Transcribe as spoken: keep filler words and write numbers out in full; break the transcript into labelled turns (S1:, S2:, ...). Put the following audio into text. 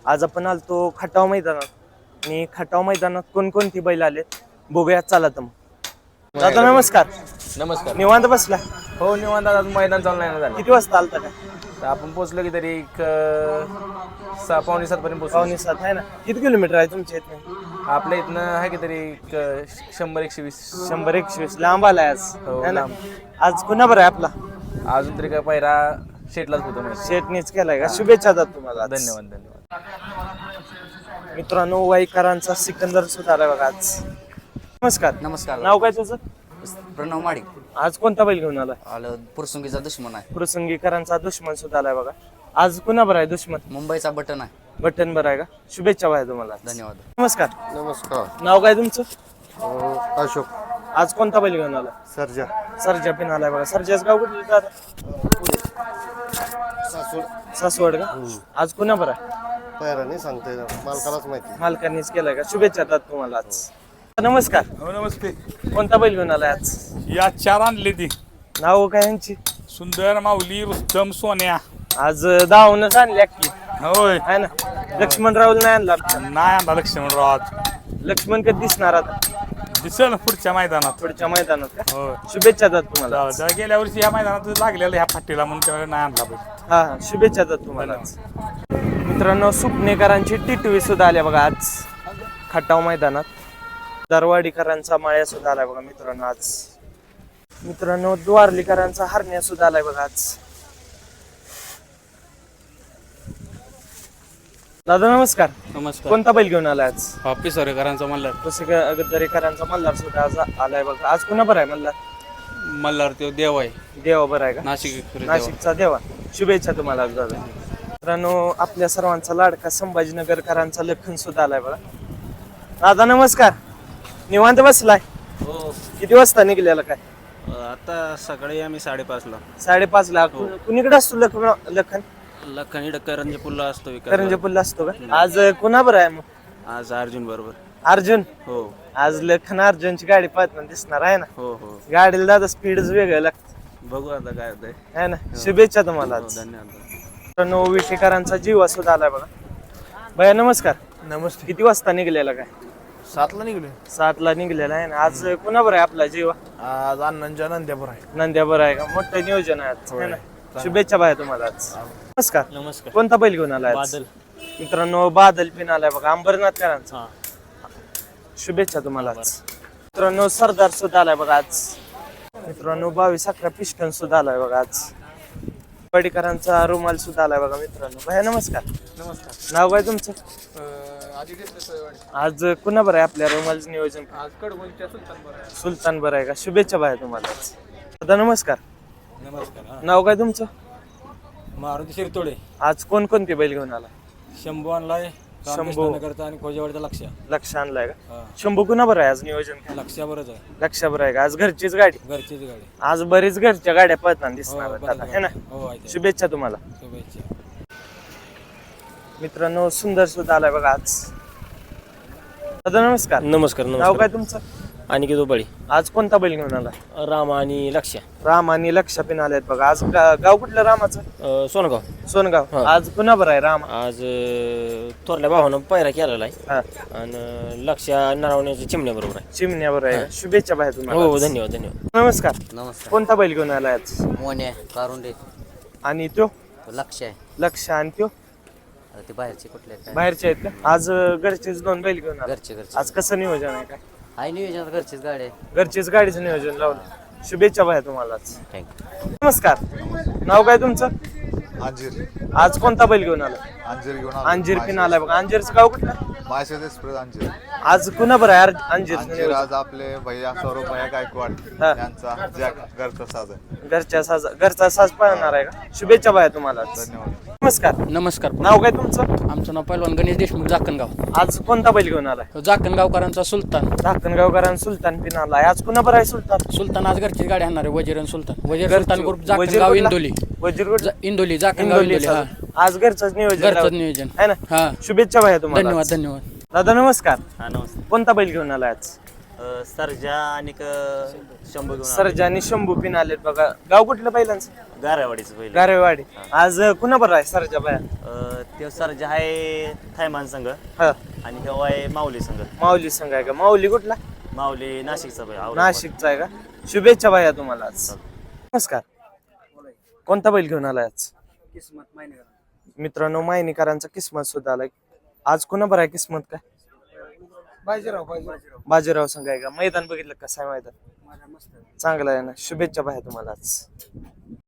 S1: आज आपण आलतो खटाव मैदानात आणि खटाव मैदानात कोणकोणती बैल आलेत बघूया. चला तर मग दादा नमस्कार.
S2: नमस्कार.
S1: निवांत बसला?
S2: हो निवांत. आज मैदान चालू नाही ना झालं.
S1: किती वाजता आलता काय?
S2: तर आपण पोहोचलो की तरी एक अं, सहा पावणे सात पर्यंत पोहोचलो.
S1: पावणे सात आहे ना. किती किलोमीटर आहे तुमच्या इथनं?
S2: आपल्या इथनं आहे की तरी एक अं, शंभर एकशे वीस.
S1: शंभर एकशे वीस. लांब आलाय आज
S2: हो,
S1: है ना?
S2: लांब.
S1: आज कुणा बरं आहे आपला?
S2: अजून तरी काय पहिला शेटलाच होतो माहिती.
S1: शेटनीच केलाय का? शुभेच्छा दादा तुम्हाला आज.
S2: धन्यवाद धन्यवाद.
S1: मित्रांनो वाईकरांचा सिकंदर सुद्धा आलाय बघा आज. नमस्कार.
S3: नमस्कार.
S1: नाव काय तुझं?
S3: प्रणव माडिक.
S1: आज कोणता बैल घेऊन आलाय?
S3: आलं पुरसुंगीचा दुश्मन आहे.
S1: प्रसंगीकरांचा दुश्मन सुद्धा आलाय बघा. आज कुणा बरं आहे दुश्मन?
S3: मुंबईचा बटन आहे.
S1: बटन बरं आहे का? शुभेच्छा भाई तुम्हाला.
S3: धन्यवाद.
S1: नमस्कार.
S4: नमस्कार.
S1: नाव काय तुमचं?
S4: अशोक.
S1: आज कोणता बैल घेऊन आला?
S4: सर्जा.
S1: सरजा पिन आलाय बघा. सरजाच गाव कुठलं दादा? सासवड का? आज कुणा बरं आहे?
S4: पैरा नाही सांगता येणार, मालकालाच माहिती.
S1: मालकांनीच केलाय का? शुभेच्छा दादा तुम्हाला आज. नमस्कार.
S5: हो नमस्ते.
S1: कोणता बैल घेऊन आलाय आज?
S5: या चार आणले ती
S1: नाव काय यांची?
S5: सुंदर, माऊली, रुस्तम, सोन्या.
S1: आज दावूनच आणली की
S5: होय.
S1: आहे ना? लक्ष्मण राहुल नाही आणला आमच्या.
S5: नाही आणला लक्ष्मणराव आज.
S1: लक्ष्मण कधी दिसणार आता?
S5: दिसेल पुढच्या मैदानात.
S1: पुढच्या मैदानात का?
S5: होय.
S1: शुभेच्छा दादा तुम्हाला.
S5: जाऊ, जाऊ. गेल्या वर्षी ह्या मैदानात लागलेलं ह्या फाटीला म्हणून त्यावेळेला नाही आणला पाहिजे.
S1: हा हा शुभेच्छा दादा तुम्हाला आज. मित्रांनो सुपनेकरांची टिटवी सुद्धा आल्या बघा आज खटाव मैदानात. दरवाडीकरांचा माळ्या सुद्धा आलाय बघा मित्रांनो आज. मित्रांनो द्वारलीकरांचा हरण्या सुद्धा आलाय बघा आज. दादा नमस्कार.
S6: नमस्कार.
S1: कोणता बैल घेऊन आलाय आज?
S6: ऑफिस सरेकरांचा मल्हार.
S1: दरेकरांचा मल्हार सुद्धा आज आलाय बघा. आज कुणा बरं आहे मल्हार?
S6: मल्हार तो देव आहे.
S1: देवा बरं आहे का?
S6: नाशिक देवा.
S1: नाशिकचा देवा. शुभेच्छा तुम्हाला आज दादा. मित्रांनो आपल्या सर्वांचा लाडका संभाजीनगरकरांचा लखन सुद्धा आलाय बघा. दादा नमस्कार. निवांत बसलाय?
S6: हो.
S1: किती वाजता निघलेला काय?
S6: आता सकाळी आम्ही साडेपाच ला.
S1: साडेपाच ला. कुणीकडे असतो लखन? लखन
S6: लखन इकडं करंजे पुल्ला असतो विकास.
S1: करंजपूरला असतो का? आज कुणा बरं आहे मग?
S6: आज अर्जुन बरोबर.
S1: अर्जुन.
S6: हो
S1: आज लखन अर्जुनची गाडी पाहताना दिसणार आहे ना?
S6: हो हो.
S1: गाडीला दादा स्पीडच वेगळं लागतं
S6: बघू आता काय होतंय.
S1: आहे ना? शुभेच्छा तुम्हाला
S6: हो,
S1: आज.
S6: धन्यवाद.
S1: मित्रांनो विटेकरांचा जीवा सुद्धा आलाय बघा. भैया नमस्कार. नमस्ते. किती वाजता निघलेला काय?
S7: सातला निघले.
S1: सात ला निघलेला आहे ना? आज कुणा बरं आहे आपला जीवा?
S7: आज अण्णांच्या नंद्यापूर आहे.
S1: नंद्या बरं आहे का? मोठं नियोजन आहे आज, है ना? शुभेच्छा भाई तुम्हाला आज. नमस्कार.
S6: नमस्कार.
S1: कोणता बैल घेऊन आलाय आज?
S6: बादल.
S1: मित्रांनो बादल पिन आलाय बघा अंबरनाथकरांचा. शुभेच्छा तुम्हाला आज. मित्रांनो सरदार सुद्धा आलाय बघा आज. मित्रांनो बावीस अकरा पिस्टन सुद्धा आलाय बघा आज. पडीकरांचा रुमाल सुद्धा आलाय बघा मित्रांनो. भैया नमस्कार.
S7: नमस्कार.
S1: नाव काय तुमचं?
S7: आधी घेतलं सोयवाडी.
S1: आज कुणा बरं आहे आपल्या रुमालचं नियोजन?
S7: आज कडगोलीच्या सुलतान बरं आहे.
S1: सुलतान बरं आहे का? शुभेच्छा भाई तुम्हाला आज. दादा नमस्कार.
S6: नमस्कार.
S1: नाव काय तुमचं?
S6: मारुती शिरतोडे.
S1: आज कोणकोणते बैल घेऊन आला?
S6: शंभू आणलाय.
S1: शंभू.
S6: करता आणि खोजेवाडीचा लक्ष.
S1: लक्ष आणलाय का? शंभू कुणा बरं आहे आज नियोजन काय?
S6: लक्षावरच आहे.
S1: लक्ष बरं आहे का? आज घरचीच गाडी.
S6: घरचीच गाडी.
S1: आज बरीच घरच्या गाड्या पळताना दिसणार
S6: हो,
S1: आहेत
S6: बरं
S1: आता, है ना?
S6: हो आहे.
S1: शुभेच्छा तुम्हाला.
S6: शुभेच्छा.
S1: मित्रांनो सुंदर सुद्धा आलाय बघा आज. दादा नमस्कार.
S8: नमस्कार.
S1: नाव
S8: नमस्कार.
S1: काय तुमचं?
S8: आणि किती बळी
S1: आज कोणता बैल घेऊन आला?
S8: राम आणि लक्ष.
S1: राम आणि लक्ष पिन आलेत बघा आज. गा- गाव कुठलं रामाचं?
S8: अं, सोनगाव.
S1: सोनगाव.
S8: हा.
S1: आज कुणा बरं आहे राम?
S8: आज अं, थोरल्या भावानं पायरा केलेला आहे.
S1: हा.
S8: आणि लक्ष नरावण्याच्या चिमण्या बरोबर आहे.
S1: चिमण्यावर आहे. शुभेच्छा भाई तुम्हाला.
S8: हो धन्यवाद धन्यवाद.
S1: नमस्कार.
S3: नमस्कार.
S1: कोणता बैल घेऊन आलाय आज?
S3: मोन्या कारुंडे.
S1: आणि त्यो
S3: लक्ष आहे.
S1: लक्ष आणि त्यो
S3: आता ते बाहेरचे कुठले काय?
S1: बाहेरचे आहेत का? आज अं, घरचेच दोन बैल घेऊन आला.
S3: घरचे घरचे.
S1: आज कसं नियोजन आहे काय?
S3: आहे नियोजन घरचीच गाडी आहे.
S1: घरचीच गाडीचं नियोजन लावलं. शुभेच्छा भाई तुम्हाला आज.
S3: थँक्यू.
S1: नमस्कार. नाव काय तुमचं?
S4: अंजीर.
S1: आज कोणता बैल घेऊन आला?
S4: अंजीर घेऊन
S1: अंजीर पिन आलाय बघा. अंजीरचं गाव कुठलं?
S4: मायसेज एक्सप्रेस अंजीर.
S1: आज कुणा बरं आहे अंजीर?
S4: अंजीर आज आपले भैया सौरभ भैया गायकवाड
S1: हा.
S4: यांचा जॅक घरचा साज आहे.
S1: घरच्या साज घरचा साज पाहणार आहे का? शुभेच्छा भाई तुम्हाला आज.
S4: धन्यवाद.
S1: नमस्कार.
S6: नमस्कार.
S1: नाव काय तुमचं?
S6: आमचं नाव पैलवान गणेश देशमुख जाकणगाव.
S1: आज कोणता बैल घेऊन आलाय?
S6: जाकणगावकरांचा सुलतान.
S1: धाकणगावकरांचा सुलतान पिन आलाय. आज कुणा बरं आहे सुलतान?
S6: सुलतान आज घरची गाडी आणणार आहे. वजीर आणि सुलतान. वजीर
S1: घरची-
S6: सुलतान ग्रुप
S1: वजीर
S6: जाकणगाव
S1: कुठला?
S6: इंदोली.
S1: वजीर कुठला?
S6: जा- इंदोली जाकणगाव
S1: इंदोली
S6: इंदोली. हा.
S1: साज. आज घरचंच नियोजन
S6: घरचंच
S1: लावलं.
S6: नियोजन.
S1: है ना?
S6: हा.
S1: शुभेच्छा भाई तुम्हाला
S6: धन्यवाद
S1: आज.
S6: धन्यवाद.
S1: दादा नमस्कार.
S8: हा नमस्कार.
S1: कोणता बैल घेऊन आलाय आज?
S9: सरजा आणि शंभू घेऊन
S1: सरजा आणि शंभू पिन आलेत बघा. गाव कुठलं पहिल्यांचं?
S9: गारावाडीचं पहिलं
S1: गारेवाडी. आज कुणा बरं आहे सरजा बाया?
S9: अं, ते सरजा आहे थायमान संघ
S1: हा
S9: आणि हे आहे माऊली संघ.
S1: माऊली संघ आहे का? माऊली कुठला?
S9: माऊली नाशिकचा बैल, औरंगाबाद.
S1: नाशिकचा आहे का? शुभेच्छा बाया तुम्हाला आज. नमस्कार. कोणता बैल घेऊन आलाय आज? मित्रांनो मायनीकरांचा किस्मत सुद्धा आलाय. आज कुणा बरं आहे किस्मत काय?
S7: बाजीराव
S1: बाजीराव संघ आहे का? मैदान बघितलं कसं आहे मैदान? चांगलं आहे ना. शुभेच्छा बाया तुम्हाला आज.